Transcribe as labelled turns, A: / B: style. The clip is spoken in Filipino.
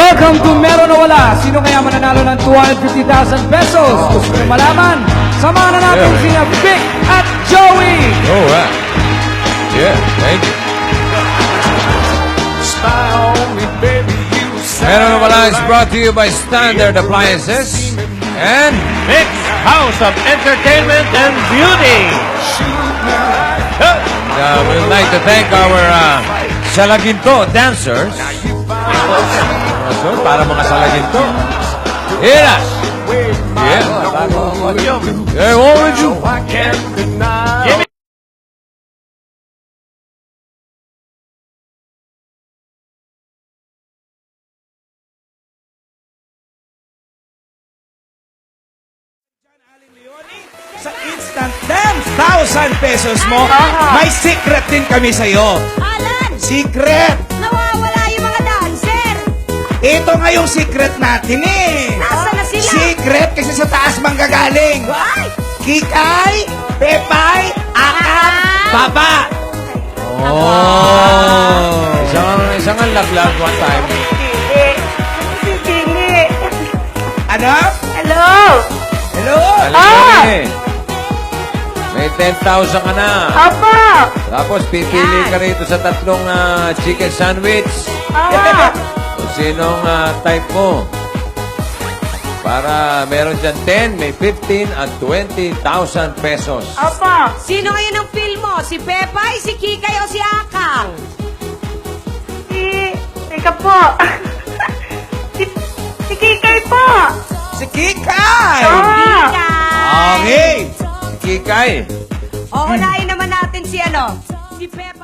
A: Welcome to Meron o Wala. Sino kaya mananalo ng 250,000 pesos? Gusto nyo malaman? Samahan na natin sina Vic at Joey.
B: All right. Yeah, thank you. Meron o Wala is brought to you by Standard Appliances and
C: Mixed House of Entertainment and Beauty.
B: we'd like to thank our Salaginto dancers. So, para mga Salaginto. Here. Yeah. Hey, what would you?
C: Jimmy.
D: Sa Instant Dance, 1,000 pesos mo, may secret din kami sa'yo.
E: Alan!
D: Secret!
E: Nawawala yung mga dancer!
D: Ito nga yung secret natin eh.
E: Nasaan na sila?
D: Secret kasi sa taas manggagaling.
E: Ay!
D: Kikay, Pepay, Akap, Baba.
B: Oh. Isang laglag one time.
D: Ano?
E: Hello!
D: Hello?
B: Alam may 10,000 ka na.
E: Apa!
B: Tapos pipili ka rito sa tatlong chicken sandwich.
E: Apa!
B: Kung sinong type mo. Para meron dyan 10, may 15 at 20,000 pesos.
E: Apa! Sino ngayon ang film mo? Si Pepay, si Kikay o si Akang?
F: Teka po. si Kikay po.
D: Si Kikay.
E: Kikay!
D: Okay.
B: Kikay.
E: O, unahin naman natin si ano? Si Pepay.